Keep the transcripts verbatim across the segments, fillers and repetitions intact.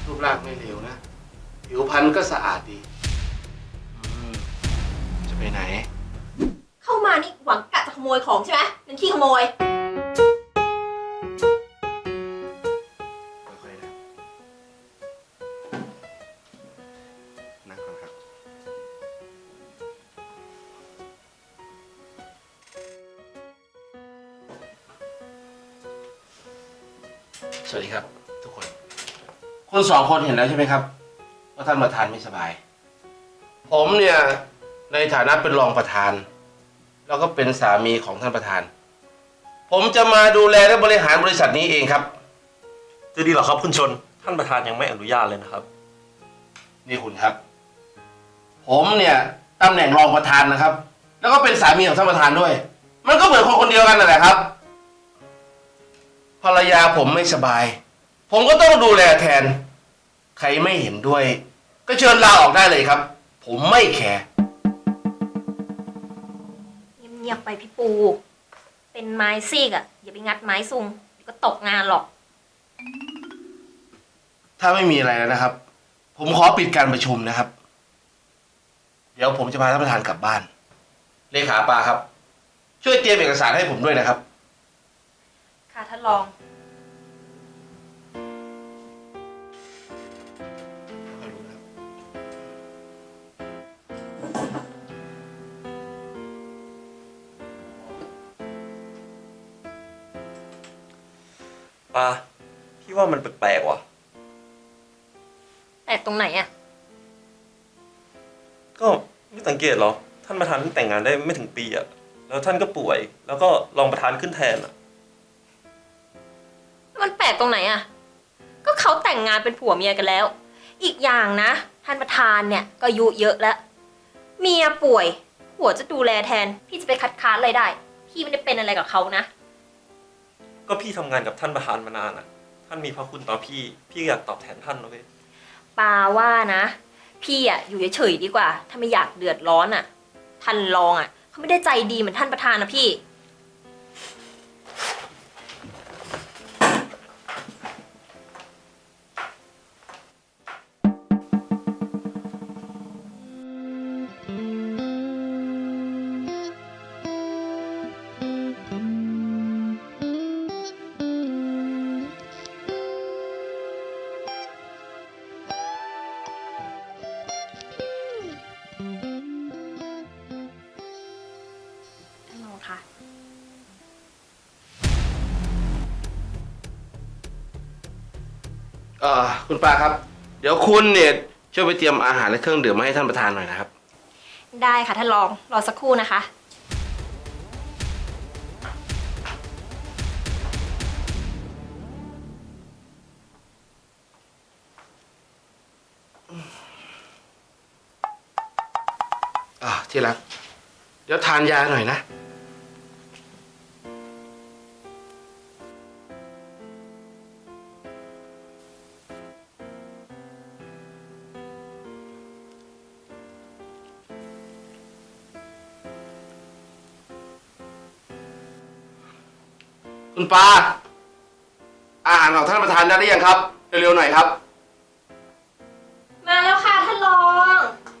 รูปร่างไม่เลวนะผิวพรรณก็สะอาดดีอืมจะไปไหนเข้ามานี่หวังกะจะขโมยของใช่ไหมเป็นขี้ขโมยค่อยๆนะนั่งก่อนครับสวัสดีครับทุกคนคุณสองคนเห็นแล้วใช่ไหมครับว่าท่านประธานไม่สบายผมเนี่ยในฐานะเป็นรองประธานแล้วก็เป็นสามีของท่านประธานผมจะมาดูแลและบริหารบริษัทนี้เองครับจะดีเหรอครับคุณชนท่านประธานยังไม่อนุญาตเลยนะครับนี่คุณครับผมเนี่ยตำแหน่งรองประธานนะครับ แล้วก็เป็นสามีของท่านประธานด้วย มันก็เหมือนคนคนเดียวกันนั่นแหละครับภรรยาผมไม่สบายผมก็ต้องดูแลแทนใครไม่เห็นด้วย ก็เชิญลาออกได้เลยครับ ผมไม่แคร์เงียบๆไปพี่ปู เป็นไม้ซีกอ่ะอย่าไปงัดไม้ซุงเดี๋ยวก็ตกงานหรอกถ้าไม่มีอะไรแล้วนะครับ ผมขอปิดการประชุมนะครับ เดี๋ยวผมจะพาท่านประธานกลับบ้านเลขาปาครับ ช่วยเตรียมเอกสารให้ผมด้วยนะครับค่ะท่านรองปาพี่ว่ามันแปลกๆว่ะแปลกตรงไหนอ่ะก็ไม่สังเกตหรอท่านประธานเพิ่งแต่งงานได้ไม่ถึงปีอะแล้วท่านก็ป่วย แล้วก็รองประธานขึ้นแทนอะมันแปลกตรงไหนอ่ะก็เขาแต่งงานเป็นผัวเมียกันแล้ว อีกอย่างนะท่านประธานเนี่ยก็อายุเยอะแล้วเมียป่วยผัวจะดูแลแทนพี่จะไปคัดค้านอะไรได้พี่ไม่ได้เป็นอะไรกับเขานะก็พี่ทำงานกับท่านประธานมานานอะท่านมีพระคุณต่อพี่พี่อยากตอบแทนท่านนะเว้ยปาว่านะพี่อ่ะอยู่เฉยๆดีกว่าถ้าไม่อยากเดือดร้อนอ่ะท่านรองอ่ะเขาไม่ได้ใจดีเหมือนท่านประธานนะพี่ท่านรองคะเอ่อคุณปาครับ เดี๋ยวคุณเนี่ยช่วยไปเตรียมอาหารและเครื่องดื่มมาให้ท่านประธานหน่อยนะครับได้ค่ะท่านรองรอสักครู่นะคะอ่าที่รักเดี๋ยวทานยาหน่อยนะคุณปาอาหารของท่านประธานได้หรือยังครับเร็วๆหน่อยครับมาแล้วค่ะท่านรอง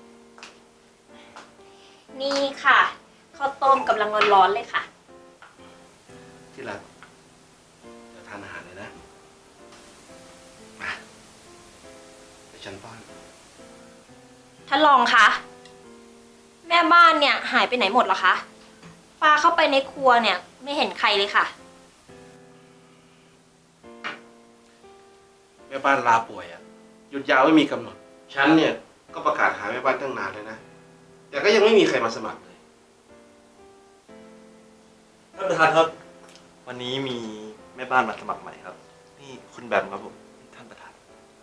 นี่ค่ะข้าวต้มกำลังร้อนๆเลยค่ะที่รักเดี๋ยวทานอาหารเลยนะมาไปฉันป้อนท่านรองคะแม่บ้านเนี่ยหายไปไหนหมดเหรอคะปาเข้าไปในครัวเนี่ยไม่เห็นใครเลยค่ะแม่บ้านลาป่วยอ่ะหยุดยาวไม่มีกำหนดฉันเนี่ยก็ประกาศหาแม่บ้านตั้งนานเลยนะแต่ก็ยังไม่มีใครมาสมัครเลยท่านประธานครับวันนี้มีแม่บ้านมาสมัครใหม่ครับนี่คุณแบมครับผมท่านประธาน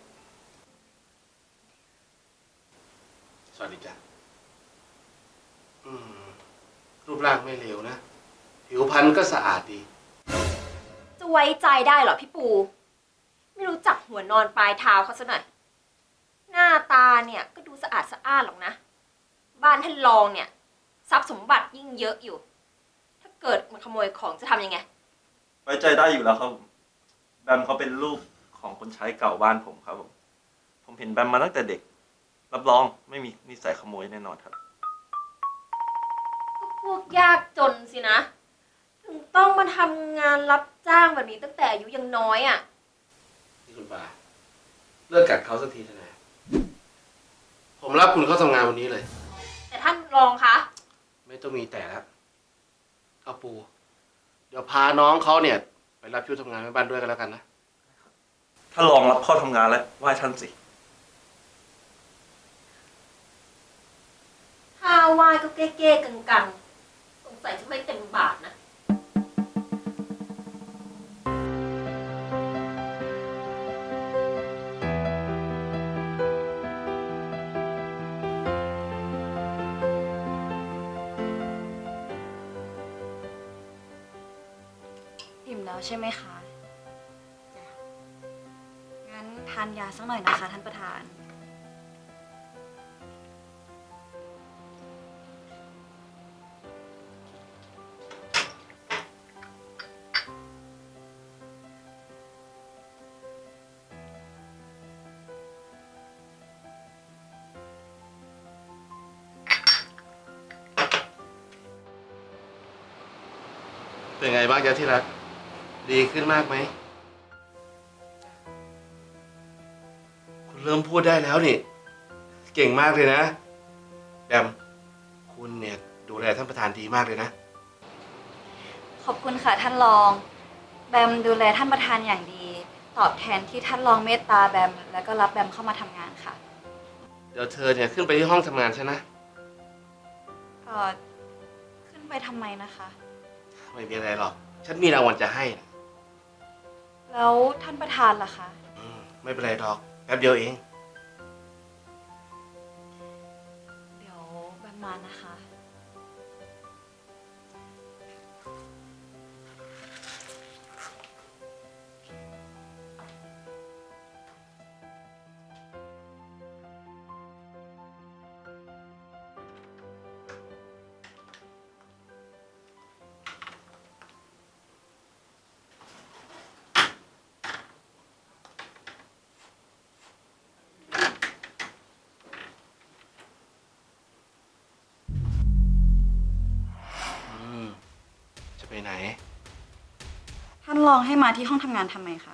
สวัสดีจ้ะอืมรูปร่างไม่เลวนะผิวพรรณก็สะอาดดีจะไว้ใจได้เหรอพี่ปูไม่รู้จักหัวนอนปลายเท้าเขาซะหน่อยหน้าตาเนี่ยก็ดูสะอาดสะอ้านหรอกนะบ้านท่านรองเนี่ยทรัพย์สมบัติยิ่งเยอะอยู่ถ้าเกิดมาขโมยของจะทำยังไงไว้ใจได้อยู่แล้วครับแบมเขาเป็นลูกของคนใช้เก่าบ้านผมครับผมผมเห็นแบมมาตั้งแต่เด็ก รับรองไม่มีนิสัยขโมยแน่นอนครับก็พวกยากจนสินะ ถึงต้องมาทำงานรับจ้างแบบนี้ตั้งแต่อายุยังน้อยอะ่ะนี่คุณปาเลิกกัดเขาสักทีเถอะนะผมรับคุณเข้าทำงานวันนี้เลยแต่ท่านรองคะไม่ต้องมีแต่แล้วเอาปู เดี๋ยวพาน้องเขาเนี่ย ไปรับช่วยทำงานแม่บ้านด้วยกันแล้วกันนะถ้าลองรับเข้าทำงานแล้วไหว้ท่านสิถ้าวายก็เก้ๆกังๆ สงสัยจะไม่เต็มบาทนะอิ่มแล้วใช่ไหมคะจ้ะงั้นทานยาสักหน่อยนะคะท่านประธานเป็นไงบ้างจ๊ะที่รัก ดีขึ้นมากไหม คุณเริ่มพูดได้แล้วนี่ เก่งมากเลยนะแบมคุณเนี่ยดูแลท่านประธานดีมากเลยนะขอบคุณค่ะท่านรอง แบมดูแลท่านประธานอย่างดี ตอบแทนที่ท่านรองเมตตาแบม แล้วก็รับแบมเข้ามาทำงานค่ะเดี๋ยวเธอเนี่ยขึ้นไปที่ห้องทำงานฉันนะเอ่อ ขึ้นไปทำไมนะคะไม่มีอะไรหรอก ฉันมีรางวัลจะให้นะแล้วท่านประธานล่ะคะอืมไม่เป็นไรหรอกแป๊บเดียวเองเดี๋ยวแบมมานะคะอืม จะไปไหนท่านรองให้มาที่ห้องทำงานทำไมคะ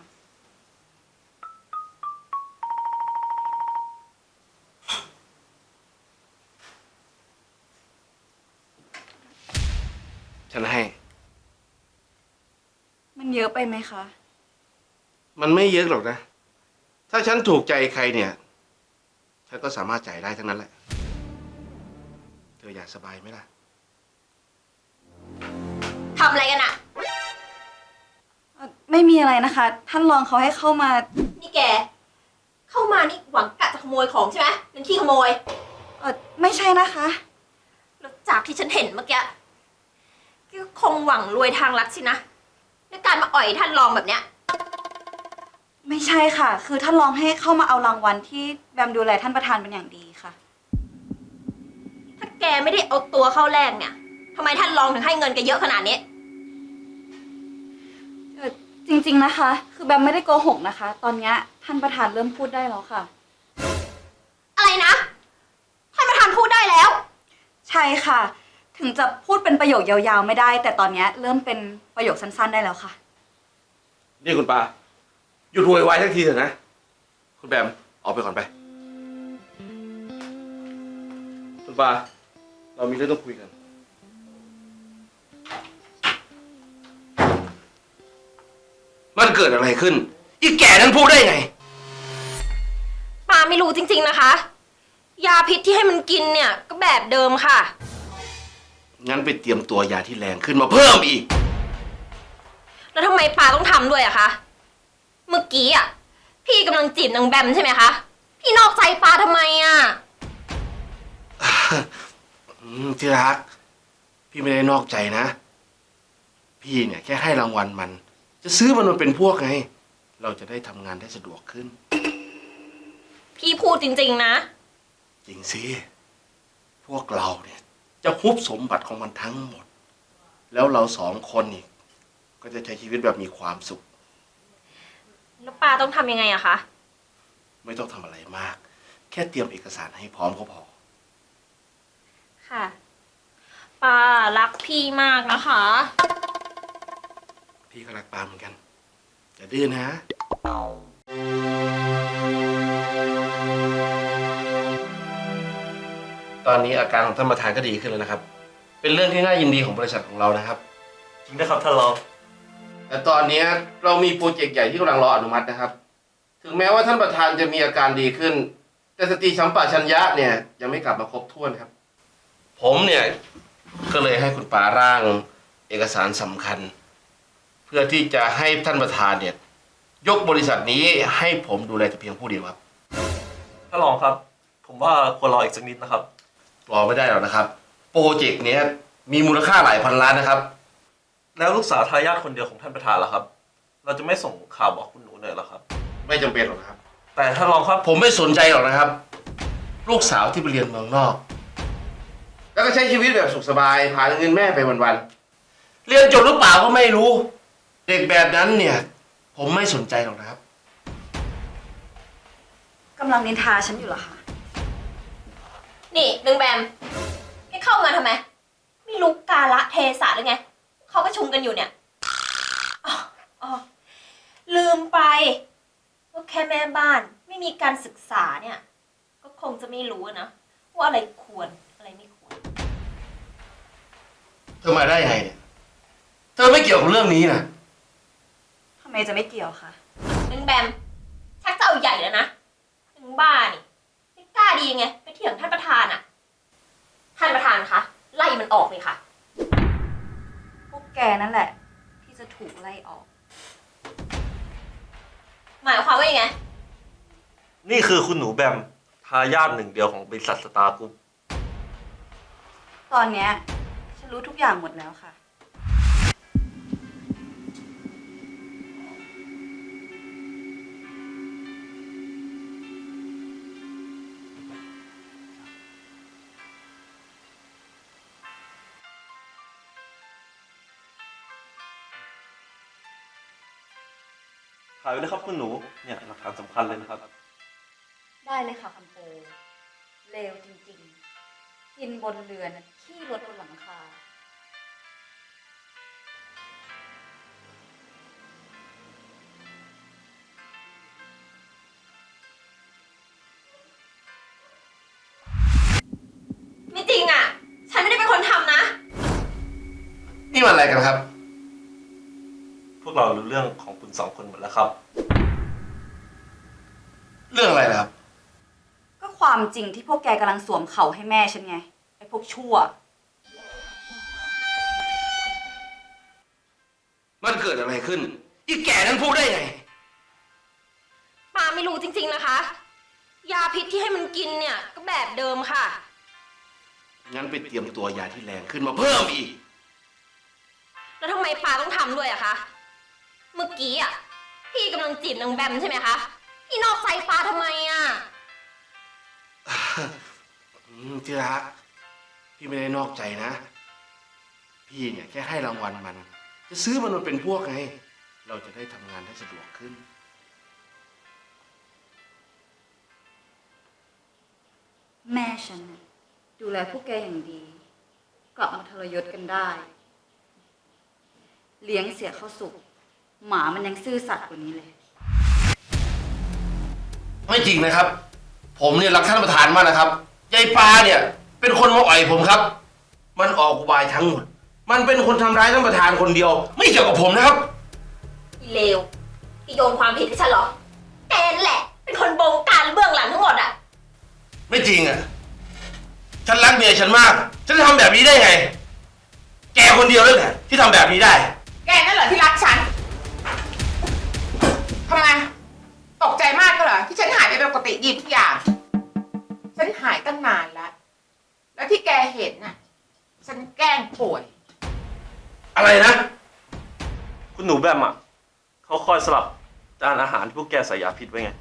ฉันให้มันเยอะไปไหมคะมันไม่เยอะหรอกนะ ถ้าฉันถูกใจใครเนี่ย ฉันก็สามารถจ่ายได้ทั้งนั้นแหละ เธออยากสบายไหมล่ะทำอะไรกันอะเอ่อไม่มีอะไรนะคะ ท่านรองเขาให้เข้ามานี่แก เข้ามานี่หวังกะจะขโมยของใช่ไหมเป็นขี้ขโมยเออไม่ใช่นะคะแล้วจากที่ฉันเห็นเมื่อกี้ก็คงหวังรวยทางลัดสินะในการมาอ่อยท่านรองแบบเนี้ยไม่ใช่ค่ะ คือท่านรองให้เข้ามาเอารางวัลที่แบมดูแลท่านประธานเป็นอย่างดีค่ะถ้าแกไม่ได้เอาตัวเข้าแรกเนี่ยทำไมท่านรองถึงให้เงินแกเยอะขนาดนี้เออจริงๆนะคะ คือแบมไม่ได้โกหกนะคะ ตอนเนี้ยท่านประธานเริ่มพูดได้แล้วค่ะอะไรนะ ท่านประธานพูดได้แล้วใช่ค่ะ ถึงจะพูดเป็นประโยคยาวๆไม่ได้ แต่ตอนเนี้ยเริ่มเป็นประโยคสั้นๆได้แล้วค่ะนี่คุณปาหยุดโวยวายทักทีเถอะนะ คุณแบมออกไปก่อนไป คุณปาเรามีเรื่องต้องคุยกัน มันเกิดอะไรขึ้น อีแก่นั้นพูดได้ไงป้าไม่รู้จริงๆนะคะ ยาพิษที่ให้มันกินเนี่ยก็แบบเดิมค่ะงั้นไปเตรียมตัวยาที่แรงขึ้นมาเพิ่มอีกแล้วทำไมป้าต้องทำด้วยอะคะ เมื่อกี้อะพี่กำลังจีบนางแบมใช่ไหมคะ พี่นอกใจป้าทำไมอะอืมที่รัก พี่ไม่ได้นอกใจนะ พี่เนี่ยแค่ให้รางวัลมัน จะซื้อมันมาเป็นพวกไง เราจะได้ทำงานได้สะดวกขึ้นพี่พูดจริงๆนะจริงสิ พวกเราเนี่ย จะฮุบสมบัติของมันทั้งหมด แล้วเราสองคนนี่ก็จะใช้ชีวิตแบบมีความสุขแล้วป้าต้องทำยังไงอะคะไม่ต้องทำอะไรมาก แค่เตรียมเอกสารให้พร้อมก็พอค่ะปารักพี่มากนะคะพี่ก็รักปาเหมือนกันอย่าดื้อนะ ตอนนี้อาการของท่านประธานก็ดีขึ้นแล้วนะครับ เป็นเรื่องที่น่ายินดีของบริษัทของเรานะครับจริงนะครับท่านรองแต่ตอนนี้เรามีโปรเจกต์ใหญ่ที่กำลังรออนุมัตินะครับ ถึงแม้ว่าท่านประธานจะมีอาการดีขึ้น แต่สติสัมปชัญญะเนี่ยยังไม่กลับมาครบถ้วนครับ ผมเนี่ยก็เลยให้คุณปาร่างเอกสารสำคัญ เพื่อที่จะให้ท่านประธานเนี่ยยกบริษัทนี้ให้ผมดูแลแต่เพียงผู้เดียวครับท่านรองครับ ผมว่าควรรออีกสักนิดนะครับรอไม่ได้หรอกนะครับ โปรเจกต์เนี้ยมีมูลค่าหลายพันล้านนะครับแล้วลูกสาวทายาทคนเดียวของท่านประธานล่ะครับ เราจะไม่ส่งข่าวบอกคุณหนูหน่อยเหรอครับไม่จำเป็นหรอกนะครับแต่ท่านรองครับผมไม่สนใจหรอกนะครับ ลูกสาวที่ไปเรียนเมืองนอก แล้วก็ใช้ชีวิตแบบสุขสบายหาเงินแม่ไปวันๆเรียนจบหรือเปล่าก็ไม่รู้ เด็กแบบนั้นเนี่ย ผมไม่สนใจหรอกนะครับกำลังนินทาฉันอยู่เหรอคะนี่นึงแบมแกเข้ามาทำไม ไม่รู้กาละเทศะหรือไง เขาประชุมกันอยู่เนี่ยอ๋ออ๋อลืมไปว่าแค่แม่บ้านไม่มีการศึกษาเนี่ย ก็คงจะไม่รู้นะว่าอะไรควรอะไรไม่ควรเธอมาได้ยังไงเนี่ย เธอไม่เกี่ยวกับเรื่องนี้นะทำไมจะไม่เกี่ยวคะนึงแบมชักจะเอาใหญ่แล้วนะนึงบ้านี่ไม่กล้าดีไงไปเถียงท่านประธานอะท่านประธานคะไล่มันออกเลยค่ะพวกแกนั่นแหละ ที่จะถูกไล่ออกหมายความว่ายังไงนี่คือคุณหนูแบมทายาทหนึ่งเดียวของบริษัทสตาร์กรุ๊ปตอนเนี้ยฉันรู้ทุกอย่างหมดแล้วค่ะถ่ายไว้เลยครับคุณหนู เนี่ยหลักฐานสำคัญเลยนะครับได้เลยค่ะคำโปเลวจริงๆ กินบนเรือนขี้รถบนหลังคาไม่จริงอ่ะ ฉันไม่ได้เป็นคนทำนะนี่มันอะไรกันครับพวกเรารู้เรื่องของคุณสองคนหมดแล้วครับเรื่องอะไรนะครับก็ความจริงที่พวกแกกำลังสวมเข่าให้แม่ฉันไง ไอ้พวกชั่วมันเกิดอะไรขึ้น อีแก่นั้นพูดได้ไงปาไม่รู้จริงๆนะคะ ยาพิษที่ให้มันกินเนี่ยก็แบบเดิมค่ะงั้นไปเตรียมตัวยาที่แรงขึ้นมาเพิ่มอีกแล้วทำไมปาต้องทำด้วยอะคะ เมื่อกี้อะพี่กำลังจีบนางแบมใช่ไหมคะ พี่นอกใจปาทำไมอะอืมที่รักพี่ไม่ได้นอกใจนะ พี่เนี่ยแค่ให้รางวัลมัน จะซื้อมันมาเป็นพวกไง เราจะได้ทำงานได้สะดวกขึ้นแม่ฉันน่ะดูแลพวกแกอย่างดี กลับมาทรยศกันได้ เลี้ยงเสียเข้าสุก หมามันยังซื่อสัตย์กว่านี้เลยไม่จริงนะครับ ผมเนี่ยรักท่านประธานมากนะครับยายปาเนี่ย เป็นคนมาอ่อยผมครับ มันออกอุบายทั้งหมด มันเป็นคนทำร้ายท่านประธานคนเดียว ไม่เกี่ยวกับผมนะครับอีเลวพี่โยนความผิดให้ฉันเหรอแกนั่นแหละ เป็นคนบงการเบื้องหลังทั้งหมดอะไม่จริงอ่ะ ฉันรักเมียฉันมาก ฉันจะทำแบบนี้ได้ไง แกคนเดียวเลยแหละที่ทำแบบนี้ได้แกนั่นเหรอที่รักฉัน ทำไม ตกใจมากก็เหรอที่ฉันหายไปเป็นปกติดีทุกอย่าง ฉันหายตั้งนานแล้ว แล้วที่แกเห็นน่ะ ฉันแกล้งป่วยอะไรนะคุณหนูแบมอ่ะเขาคอยสลับจานอาหารที่พวกแกใส่ยาพิษไว้ไง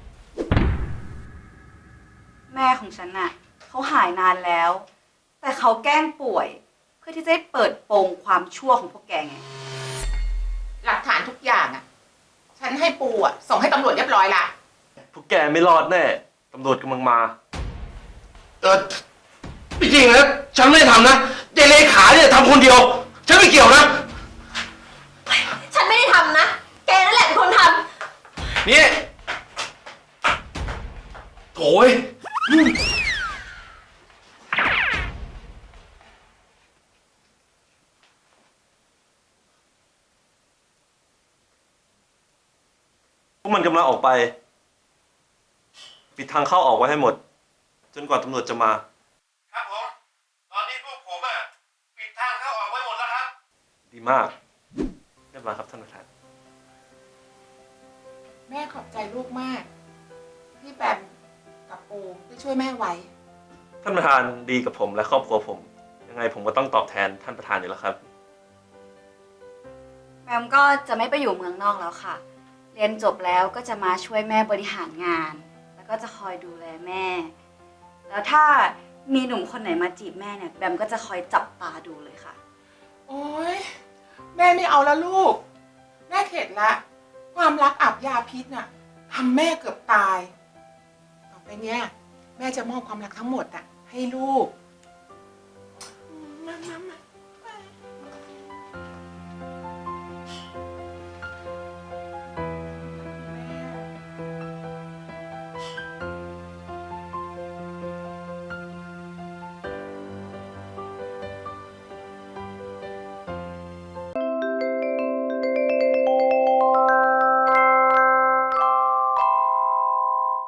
แม่ของฉันน่ะเขาหายนานแล้ว แต่เขาแกล้งป่วย เพื่อที่จะได้เปิดโปงความชั่วของพวกแกไงหลักฐานทุกอย่างอ่ะ ฉันให้ปูอ่ะ ส่งให้ตำรวจเรียบร้อยละพวกแกไม่รอดแน่ ตำรวจกำลังมาเออไม่จริงนะฉันไม่ได้ทำนะยายเลขาเนี่ยทำคนเดียว ฉันไม่เกี่ยวนะฉันไม่ได้ทำนะ แกนั่นแหละเป็นคนทนี่โถ่ยพวกมันกำลังออกไป ปิดทางเข้าออกไว้ให้หมด จนกว่าตำรวจจะมาครับผม ตอนนี้พวกผมอ่ะปิดทางเข้าออกไว้หมดแล้วครับดีมากเรียบร้อยครับท่านประธานแม่ขอบใจลูกมาก ที่แบมกับปูได้ช่วยแม่ไว้ท่านประธานดีกับผมและครอบครัวผม ยังไงผมก็ต้องตอบแทนท่านประธานอยู่แล้วครับแบมก็จะไม่ไปอยู่เมืองนอกแล้วค่ะ เรียนจบแล้วก็จะมาช่วยแม่บริหารงาน แล้วก็จะคอยดูแลแม่ แล้วถ้ามีหนุ่มคนไหนมาจีบแม่เนี่ยแบมก็จะคอยจับตาดูเลยค่ะโอ๊ย แม่ไม่เอาแล้วลูก แม่เข็ดละ ความรักอาบยาพิษน่ะทำแม่เกือบตาย ต่อไปเนี้ยแม่จะมอบความรักทั้งหมดอ่ะให้ลูก